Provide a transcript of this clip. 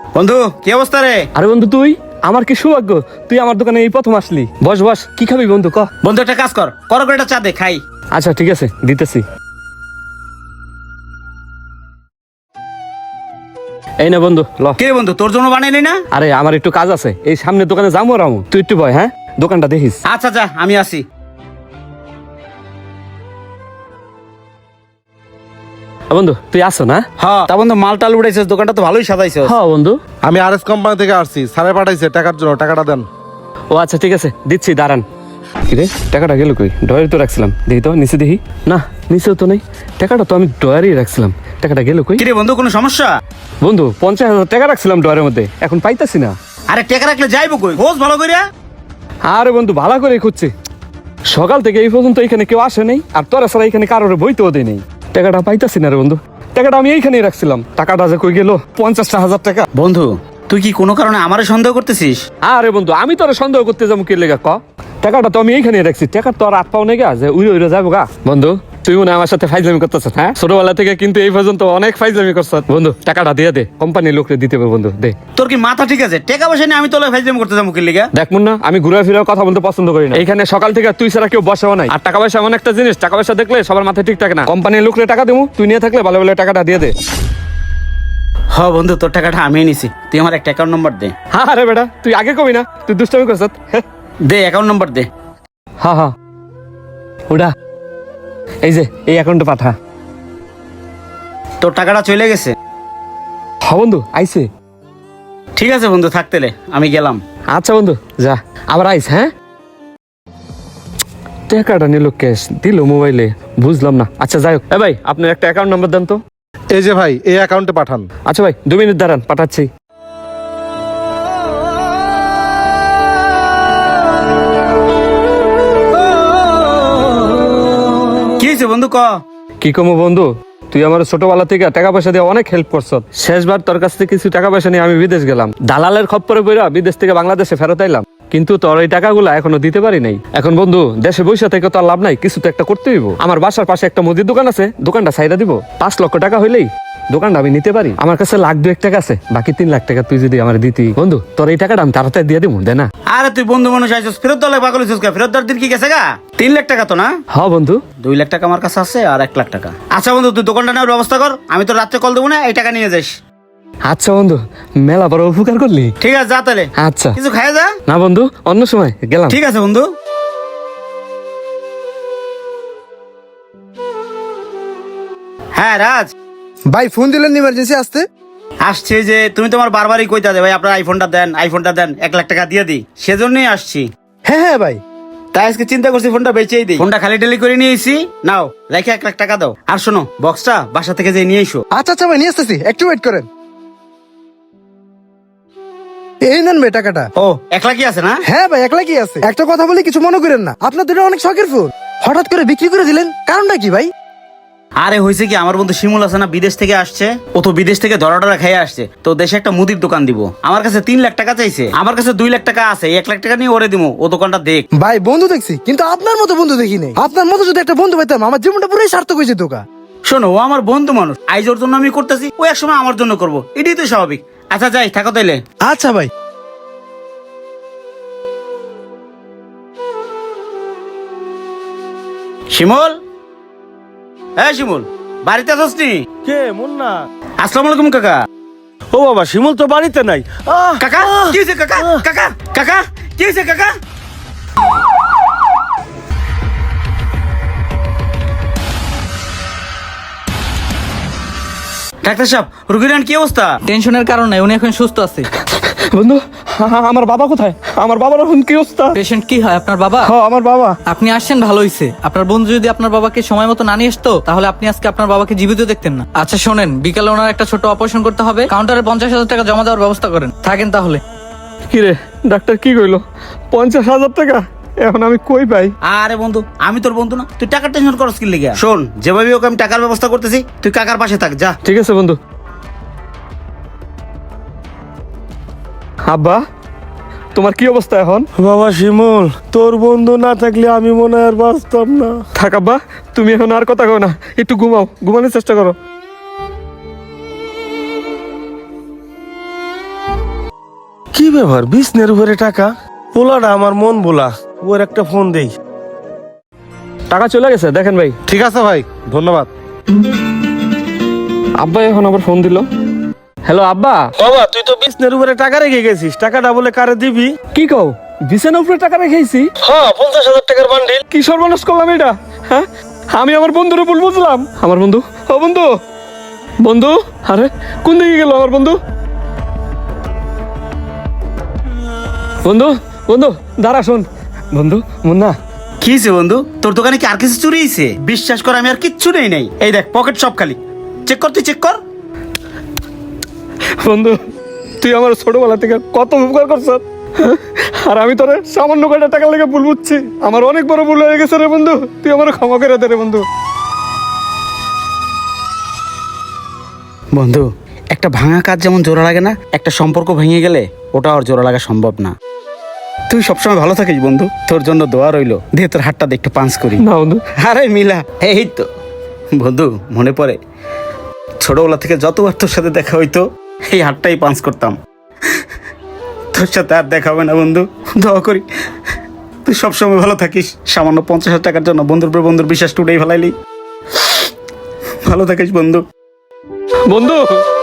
বন্ধু কি অবস্থা রে? আরে বন্ধু তুই, আমার কি সৌভাগ্য, তুই আমার দোকানে এই প্রথম আসলি। বস বস, কি খাবি বন্ধু ক? বন্ধু একটা কাজ কর, করে একটা চা দে খাই। আচ্ছা ঠিক আছে, দিতেছি। এই না বন্ধু ল। কে বন্ধু তোর জন্য বানাইলি না? আরে আমার একটু কাজ আছে, এই সামনে দোকানে যাবো রামু, তুই একটু বয়। হ্যাঁ, দোকানটা দেখিস। আচ্ছা যা, আমি আসি। বন্ধু তুই আসো না? হ্যাঁ তা বন্ধু, মাল টাল উড়াইছিস, দোকানটা তো ভালোই সাজাইছিস। হ্যাঁ বন্ধু। আমি আর এস কোম্পানি থেকে আসছি, স্যারে পাঠাইছে টাকার জন্য, টাকাটা দেন। ও আচ্ছা ঠিক আছে, দিচ্ছি, দাঁড়ান। কিরে টাকাটা গেল কই? ডয়ারে তো রাখছিলাম, দেখি তো নিচে দেখি। না নিচেও তো নেই, টাকাটা তো আমি ডয়ারেই রাখছিলাম, টাকাটা গেল কই? কিরে বন্ধু কোনো সমস্যা? বন্ধু 50,000 টাকা রাখছিলাম ডয়ারের মধ্যে, এখন পাইতাছি না। আরে টাকা রাখলে যাইবো কই? খোঁজ ভালো কইরা। আরে বন্ধু ভালো করে খুঁজছি, সকাল থেকে এই পর্যন্ত এখানে কেউ আসে নাই, আর তোরা ছাড়া এখানে কারোর বইতেও দেয় নেই। টাকাটা পাইতাছি না রে বন্ধু, টাকাটা আমি এইখানেই রাখছিলাম, টাকাটা যে কই গেল? 50,000 টাকা। বন্ধু তুই কি কোনো কারণে আমারে সন্দেহ করতেছিস? আরে বন্ধু আমি তোরা সন্দেহ করতে যাবো কি লেগা ক? টাকাটা তো আমি এইখানেই রাখছি, টাকা তো আর হাত পাও নেই গা যে উড়ে উড়ে যাবো গা। বন্ধু তুই মনে হয় আমার সাথে ফাইজলামি করতেছ? হ্যাঁ, ছোটবেলা থেকে কিন্তু এই পর্যন্ত অনেক ফাইজলামি করছ। বন্ধু টাকাটা দিয়ে দে, কোম্পানির লোকরে দিতে হবে। বন্ধু দে। তোর কি মাথা ঠিক আছে? টাকা পয়সা নিয়ে আমি তোলে ফাইজলামি করতে যাবো কি লিগা? দেখ মুন্না, আমি ঘুরে ফিরে কথা বলতে পছন্দ করি না। এইখানে সকাল থেকে তুই ছাড়া কেউ বসাও নাই, আর টাকা পয়সা এমন একটা জিনিস, টাকা পয়সা দেখলে সবার মাথায় ঠিক থাকে না। কোম্পানির লোকরে টাকা দেবো, তুই নিয়ে থাকলে ভালো ভালো টাকাটা দিয়ে দে। হ্যাঁ বন্ধু, তোর টাকাটা আমি নিছি, তুই আমার একটা অ্যাকাউন্ট নম্বর দে। হ্যাঁ আরে বেটা তুই আগে কবি না, তুই দুষ্টামি করছ। দে অ্যাকাউন্ট নম্বর দে। হ্যাঁ হ্যাঁ ওটা, এই যে এই অ্যাকাউন্টে পাঠা। তোর টাকাটা চলে গেছে। হ্যাঁ বন্ধু আইছে। ঠিক আছে বন্ধু, থাকতেলে আমি গেলাম। আচ্ছা বন্ধু যা, আবার আইস। হ্যাঁ, টাকাটা নিল ক্যাশ, দিল মোবাইলে, বুঝলাম না। আচ্ছা যাই হোক, এ ভাই আপনার একটা অ্যাকাউন্ট নাম্বার দেন তো। এই যে ভাই, এই অ্যাকাউন্টে পাঠান। আচ্ছা ভাই 2 মিনিট দাঁড়ান, পাঠাচ্ছি। কি হয়েছে বন্ধু ক? কি কমো বন্ধু, তুই আমার ছোটবেলা থেকে টাকা পয়সা দিয়ে অনেক হেল্প করছ। শেষবার তোর কাছ থেকে কিছু টাকা পয়সা নিয়ে আমি বিদেশ গেলাম, দালালের খপ্পরে পড়া বিদেশ থেকে বাংলাদেশে ফেরত আইলাম, কিন্তু তোর ওই টাকাগুলো এখনো দিতে পারি নাই। এখন বন্ধু দেশে বসে থেকে তো আর লাভ নাই, কিছু তো একটা করতে হইব। আমার বাসার পাশে একটা মুদির দোকান আছে, দোকানটা ছাইরা দিব, 5 লক্ষ টাকা হইলেই দোকানটা আমি নিতে পারি। আমার কাছে 1,02,1 টাকা আছে, বাকি 3 লাখ টাকা তুই যদি আমার দিতি। বন্ধু তোর এই টাকাটা আমি তাড়াতাড়ি দিয়ে দিব, দে না। আরে তুই বন্ধু মানুষ আইছিস, ফেরত দলে পাগল হইছিস কা? ফেরত দেওয়ার দিন কি গেছে গা? 3 লাখ টাকা তো না? হ্যাঁ বন্ধু। 2 লাখ টাকা আমার কাছে আছে, আর 1 লাখ টাকা। আচ্ছা বন্ধু, তুই দোকানটা নেওয়ার ব্যবস্থা কর, আমি তো রাত্রে কল দেবো না, এই টাকা নিয়ে যাস। আচ্ছা বন্ধু, মেলা বড় উপকার করলি। ঠিক আছে যা তাহলে। আচ্ছা কিছু খাই যা। না বন্ধু, অন্য সময় গেলাম। ঠিক আছে বন্ধু। হ্যাঁ রাজ, ভাই ফোন দিলেন ইমার্জেন্সি আসতে। আসছে যে তুমি তোমার বারবারই কইতা দে ভাই আপনার আইফোনটা দেন, আইফোনটা দেন, 1 লাখ টাকা দিয়ে দিই, সেজন্যই আসছি। হ্যাঁ হ্যাঁ ভাই, তাই আজকে চিন্তা করছি ফোনটা বেচেই দিই। ফোনটা খালি টেলি করে নিয়ে এসি, নাও রেখে 1 লাখ টাকা দাও। আর শোনো, বক্সটা বাসা থেকে যে নিয়ে এসো। আচ্ছা আচ্ছা ভাই, নিয়ে আসতেছি, একটু ওয়েট করেন। এই নেন ভাই টাকাটা। ও 1 লাখই আছে না? হ্যাঁ ভাই, একলা কি আছে। একটা কথা বলি, কিছু মনে করেন না, আপনার দুটো অনেক শখের ফোন, হঠাৎ করে বিক্রি করে দিলেন, কারণটা কি ভাই? আরে হয়েছে কি, আমার বন্ধু শিমুল আছে না, বিদেশ থেকে আসছে। ও তো বিদেশ থেকে ধরা টরা খেয়ে আসছে, তো দেশে একটা মুদির দোকান দিব। আমার কাছে 3 লাখ টাকা চাইছে, আমার কাছে 2 লাখ টাকা আছে, 1 লাখ টাকা নিয়ে ওরে দিব, ও দোকানটা দেখ। ভাই বন্ধু দেখছি, কিন্তু আপনার মতো বন্ধু দেখি নাই। আপনার মতো যদি একটা বন্ধু পাইতাম, আমার জীবনটা পুরোই সার্থক হয়েছে। দোকান শোনো, ও আমার বন্ধু মানুষ, আইজ ওর জন্য আমি করতেছি, ও একসময় আমার জন্য করবো, এটাই তো স্বাভাবিক। আচ্ছা যাই, থাকো তাইলে। আচ্ছা ভাই। শিমুল, হ্যাঁ শিমুল, বাড়িতে আছিস নি? কে মুন্না? আসসালামু আলাইকুম কাকা। ও বাবা, শিমুল তো বাড়িতে নাই। কাকা কি হয়েছে কাকা? কাকা কাকা কি হয়েছে কাকা? ডাক্তার সাহেব, রুগীর কি অবস্থা? টেনশনের কারণে উনি এখন সুস্থ আছে। বন্ধু আমার বাবা কোথায়? আমার বাবার এখন কি অবস্থা? পেশেন্ট কি হয়? আপনার বাবা? হ্যাঁ আমার বাবা। আপনি আসছেন ভালো হইছে। আপনার বন্ধু যদি আপনার বাবাকে সময় মতো না নিয়ে আসতো, তাহলে আপনি আজকে আপনার বাবাকে জীবিত দেখতেন না। আচ্ছা শোনেন, বিকালে ওনার একটা ছোট অপারেশন করতে হবে, কাউন্টারে 50,000 টাকা জমা দেওয়ার ব্যবস্থা করেন। থাকেন তাহলে। কি রে ডাক্তার কি কইলো? 50,000 টাকা এখন আমি কই পাই? আরে বন্ধু, আমি তোর বন্ধু না, তুই টাকার টেনশন করস কি লিগা? শোন, যেভাবে ওকে আমি টাকার ব্যবস্থা করতেছি, তুই কাকার পাশে থাক, যা। ঠিক আছে বন্ধু। আব্বা তোমার কি অবস্থা এখন? বাবা শিমুল, তোর বন্ধু না থাকলে আমি মনে হয় আর বাঁচতাম না। থাক আব্বা, তুমি এখন আর কথা কও না, একটু ঘুমাও, ঘুমানোর চেষ্টা করো। ব্যাপার বিছনের উপরে টাকা? পোলাটা আমার মন বলা, ওর একটা ফোন দেই। টাকা চলে গেছে দেখেন ভাই। ঠিক আছে ভাই, ধন্যবাদ। আব্বা এখন আবার ফোন দিল। হ্যালো আব্বা। বাবা তুই তো বিছনের উপরে টাকা রেখে গেছিস, টাকাটা বলে কারে দিবি? কি কও, বিছানার উপরে টাকা রেখেছি? হ্যাঁ, 50,000 টাকার বান্ডিল। কি সর্বনাশ করলাম এটা, হ্যাঁ? আমি আমার বন্ধুর ভুল বুঝলাম। আমার বন্ধু, ও বন্ধু, বন্ধু, আরে কোন দিকে গেল আমার বন্ধু? বন্ধু, বন্ধু দাঁড়া, শোন বন্ধু, মুন্না। কি হয়েছে বন্ধু, তোর দোকানে কি আর কিছু চুরি হয়েছে? বিশ্বাস কর আমি আর কিচ্ছু নেই নাই। এই দেখ পকেট সব খালি, চেক কর, তুই চেক কর। বন্ধু, তুই আমার ছোটবেলা থেকে কত উপকার করছ, আর আমি তোরে সামান্য কয়টা টাকা লেগে ভুল বুঝছি। আমার অনেক বড় ভুল হয়ে গেছে রে বন্ধু, তুই আমার ক্ষমা করে দে রে বন্ধু। বন্ধু, একটা ভাঙা কাজ যেমন জোড়া লাগে না, একটা সম্পর্ক ভেঙে গেলে ওটা আর জোড়া লাগা সম্ভব না। তুই সবসময় ভালো থাকিস বন্ধু, তোর জন্য দোয়া রইলো। দে তোর হাতটা দে, একটু পাঞ্চ করি। না বন্ধু। আরে মিলা, এই তো বন্ধু, মনে পড়ে ছোটবেলা থেকে যতবার তোর সাথে দেখা হইতো এই হাতটাই পাঞ্চ করতাম। তোর সাথে আর দেখা হবে না বন্ধু, দোয়া করি তুই সবসময় ভালো থাকিস। সামান্য 50,000 টাকার জন্য বন্ধুর উপর বন্ধুর বিশ্বাস টুটেই ফেলাইলি। ভালো থাকিস বন্ধু। বন্ধু